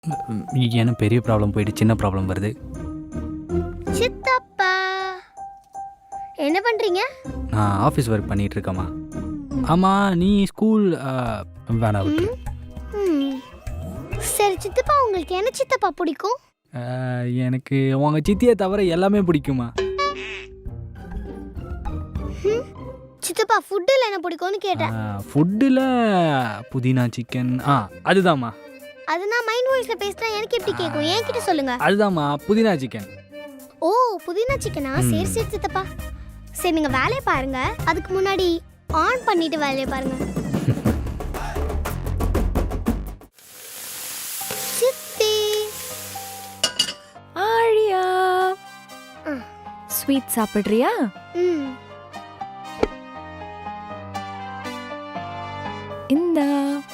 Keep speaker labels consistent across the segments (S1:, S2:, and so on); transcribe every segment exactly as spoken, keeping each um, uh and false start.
S1: ஏன்னா பெரிய ப்ராப்ளம் போயிட்டு சின்ன ப்ராப்ளம் வருது.
S2: சித்தப்பா என்ன பண்றீங்க?
S1: நான் ஆஃபீஸ் ஒர்க் பண்ணிட்டு இருக்கேம்மா. ஆமாம், நீ ஸ்கூல் வேணா விட்டு.
S2: ம். சரி சித்தப்பா, உங்களுக்கு என்ன சித்தப்பா பிடிக்கும்?
S1: எனக்கு உங்கள் சித்தியை தவிர எல்லாமே பிடிக்குமா.
S2: ம். சித்தப்பா ஃபுட்டில் என்ன பிடிக்கும்னு கேட்டேன்.
S1: ஃபுட்டில் புதினா சிக்கன். ஆ அதுதாம்மா.
S2: அது நான் மைண்ட் வாய்ஸ்ல பேசினா எனக்கு எப்படி கேட்கும்? என்கிட்ட சொல்லுங்க.
S1: அதுதாம்மா புதினா சிக்கன்.
S2: ஓ புதினா சிக்கனா? சரி சரி சித்தப்பா. சரி நீங்க வேலையை பாருங்க, அதுக்கு முன்னாடி ஆன் பண்ணிட்டு வேலையை பாருங்க. சித்தி
S3: ஆழியா, ஸ்வீட் சாப்பிடுறியா?
S2: ம்.
S3: இந்தா.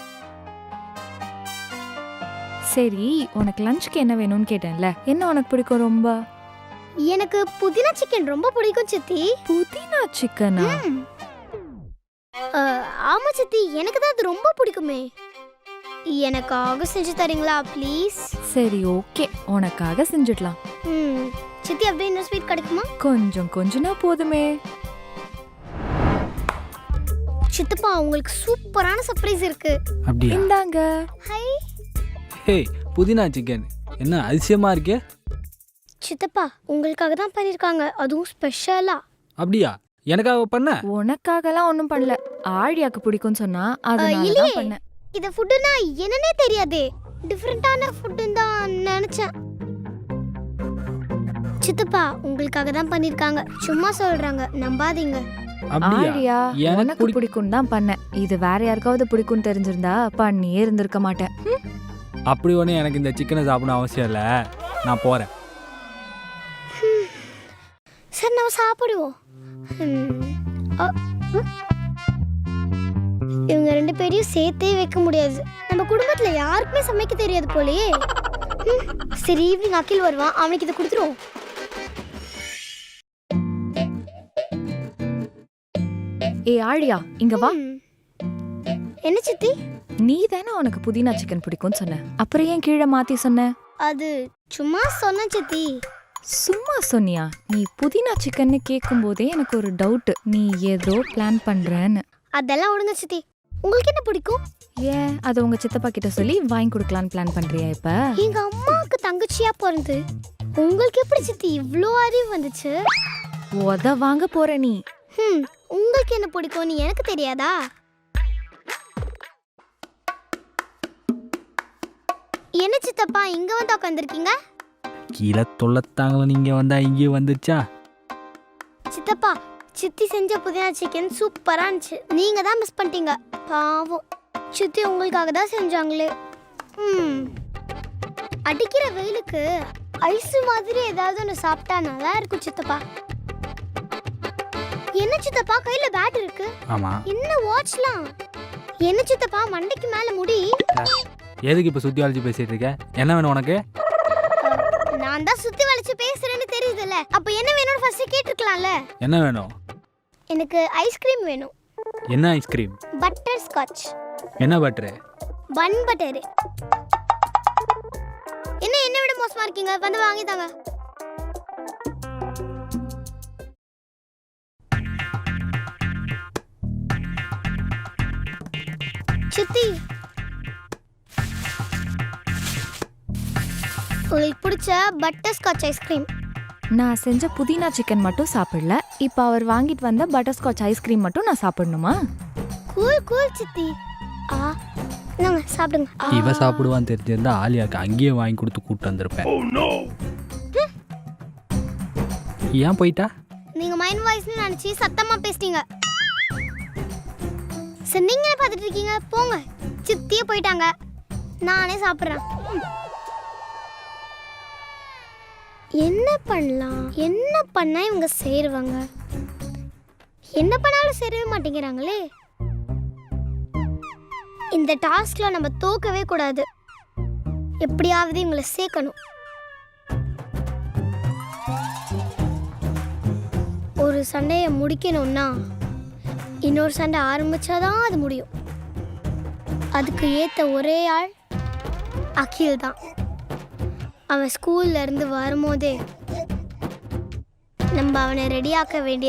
S3: சரி, உனக்கு லஞ்சுக்கு என்ன வேணும்னு கேட்டேன்ல, என்ன உனக்கு பிடிக்கும் ரொம்ப?
S2: எனக்கு புதினா சிக்கன் ரொம்ப பிடிக்கும் சித்தி.
S3: புதினா சிக்கனா?
S2: ம். அ, ஆமா சித்தி, எனக்கு தான் அது ரொம்ப பிடிக்குமே. எனக்காக செஞ்சு தரீங்களா ப்ளீஸ்?
S3: சரி ஓகே, உனக்காக செஞ்சிடலாம்.
S2: ம். சித்தி அப்படியே இன்னும் ஸ்வீட் கிடைக்குமா?
S3: கொஞ்சம் கொஞ்சனா போதுமே.
S2: சித்தப்பா உங்களுக்கு சூப்பரான சர்ப்ரைஸ் இருக்கு.
S1: அப்படியா?
S3: இந்தாங்க.
S2: ஹை
S1: ஹே, புதினா சிக்கன் என்ன அதிசயமா இருக்கே.
S2: சித்தப்பா உங்களுக்காக தான் பண்ணிருக்காங்க, அதுவும் ஸ்பெஷலா.
S1: அப்படியா? எனக்காக பண்ண?
S3: உனக்காகலாம் ஒன்றும் பண்ணல, ஆழியாக்கு பிடிக்கும்னு சொன்னா அதனால
S2: இல்லையே.
S3: தான் பண்ணேன்.
S2: இந்த ஃபுட்டுனா என்னன்னே தெரியாதே, டிஃபரெண்டான ஃபுட்டுன்னு தான் நினைச்சேன். சித்தப்பா உங்களுக்காக தான் பண்ணிருக்காங்க, சும்மா சொல்றாங்க, நம்பாதீங்க.
S1: அப்படியா?
S3: ஆழியா,
S1: எனக்கு
S3: உனக்கு
S1: பிடி-
S3: பிடிக்கும் தான் பண்ணேன். இது வேற யாருக்காவது பிடிக்கும்னு தெரிஞ்சிருந்தா பண்ணியே இருந்திருக்க மாட்டேன். ம்.
S1: அப்படி ஒன்று எனக்கு இந்த சிக்கனை சாப்பிடணும் அவசியம் இல்லை. நான் போகிறேன்.
S2: சரி நம்ம சாப்பிடுவோம். ம். அ, ம். இவங்க ரெண்டு பேரையும் சேர்த்தே வைக்க முடியாது. நம்ம குடும்பத்துல யாருக்குமே சமைக்க தெரியாது போலயே. ம். சரி ஈவினிங் அகில் வருவான், அவனுக்கு இதை கொடுத்துருவோம்.
S3: ஏ ஆழியா, இங்க வா.
S2: ம். என்ன சித்தி?
S3: நீ தானே உனக்கு புதினா சிக்கன் பிடிக்கும்னு சொன்ன, அப்புறம் ஏன் கீழே மாத்தி சொன்ன?
S2: அது சும்மா சொன்ன சித்தி.
S3: சும்மா சொன்னியா? நீ புதினா சிக்கன்னு கேட்கும் போதே எனக்கு ஒரு டவுட், நீ ஏதோ பிளான் பண்றேன்னு.
S2: அதெல்லாம் விடுங்க சித்தி, உங்களுக்கு என்ன பிடிக்கும்?
S3: ஏன் அதை உங்க சித்தப்பா கிட்ட சொல்லி வாங்கி கொடுக்கலான்னு பிளான் பண்றியா இப்ப?
S2: எங்க அம்மாவுக்கு தங்கச்சியா பிறந்து உங்களுக்கு எப்படி சித்தி இவ்ளோ அறிவு வந்துச்சு?
S3: உத வாங்க போற நீ.
S2: ஹம், உங்களுக்கு என்ன பிடிக்கும்னு எனக்கு தெரியாதா? என்ன சித்தப்பா இங்க வந்து உட்காந்துருக்கீங்க?
S1: கீழே தொல்லத்தாங்கள நீங்கள் வந்தால் இங்கே வந்துருச்சா?
S2: சித்தப்பா சித்தி செஞ்ச புதினா சிக்கன் சூப்பரா இருந்துச்சு, நீங்க தான் மிஸ் பண்ணிட்டீங்க. பாவம், சித்தி உங்களுக்காக தான் செஞ்சாங்களே. ம். அடிக்கிற வெயிலுக்கு ஐஸ் மாதிரி ஏதாவது ஒன்று சாப்பிட்டா நல்லா இருக்கும் சித்தப்பா. என்ன சித்தப்பா கையில பேட் இருக்கு?
S1: ஆமாம்.
S2: என்ன வாட்ச்லாம்? என்ன சித்தப்பா மண்டைக்கு மேல முடி?
S1: எதுக்கு இப்போ சுற்றி வளைச்சு பேசிகிட்டு இருக்க? என்ன வேணும் உனக்கு?
S2: நான் தான் சுத்தி வளைச்சு பேசுறேன்னு தெரியுதுல்ல, அப்ப என்ன வேணும்னு ஃபர்ஸ்ட் கேட்டிருக்கலாம்ல.
S1: என்ன வேணும்?
S2: எனக்கு ஐஸ்கிரீம் வேணும்.
S1: என்ன ஐஸ்கிரீம்?
S2: Butter scotch.
S1: என்ன பட்டரு?
S2: Bun butter. என்ன என்ன விட மோசமா இருக்கீங்க, வந்து வாங்கி தாங்க. சித்தி உங்களுக்கு பிடிச்ச பட்டர் ஸ்காட்ச் ஐஸ்கிரீம்.
S3: நான் செஞ்ச புதினா சிக்கன் மட்டும் சாப்பிடல, இப்ப அவர் வாங்கிட்டு வந்த பட்டர்ஸ்காட்ச் ஐஸ்கிரீம் மட்டும் நான் சாப்பிடணுமா?
S2: கூல் கூல் சித்தி. ஆ நாங்க சாப்பிடுங்க. ஆ.
S1: இவ சாப்பிடுவான்னு தெரிஞ்சிருந்தா ஆலியாக்கு அங்கேயே வாங்கி கொடுத்து கூப்பிட்டு வந்திருப்பேன். ஏன் போயிட்டா?
S2: நீங்க மைண்ட் வாய்ஸ்னு நினைச்சு சத்தமா பேசிட்டீங்க. சரி நீங்க பார்த்துட்டு இருக்கீங்க, போங்க. சித்தியே போயிட்டாங்க, நானே சாப்பிட்றேன். என்ன பண்ணலாம், என்ன பண்ணா இவங்க சேருவாங்க? என்ன பண்ணாலும் சேரவே மாட்டேங்கிறாங்களே. இந்த டாஸ்க்ல நம்ம தோக்கவே கூடாது, எப்படியாவது இவங்களை சேர்க்கணும். ஒரு சண்டையை முடிக்கணும்னா இன்னொரு சண்டை ஆரம்பிச்சாதான் அது முடியும். அதுக்கு ஏத்த ஒரே ஆள் அகில் தான். அவன் ஸ்கூல்ல இருந்து வரும்போதே நம்ம அவனை ரெடியாக்க வேண்டிய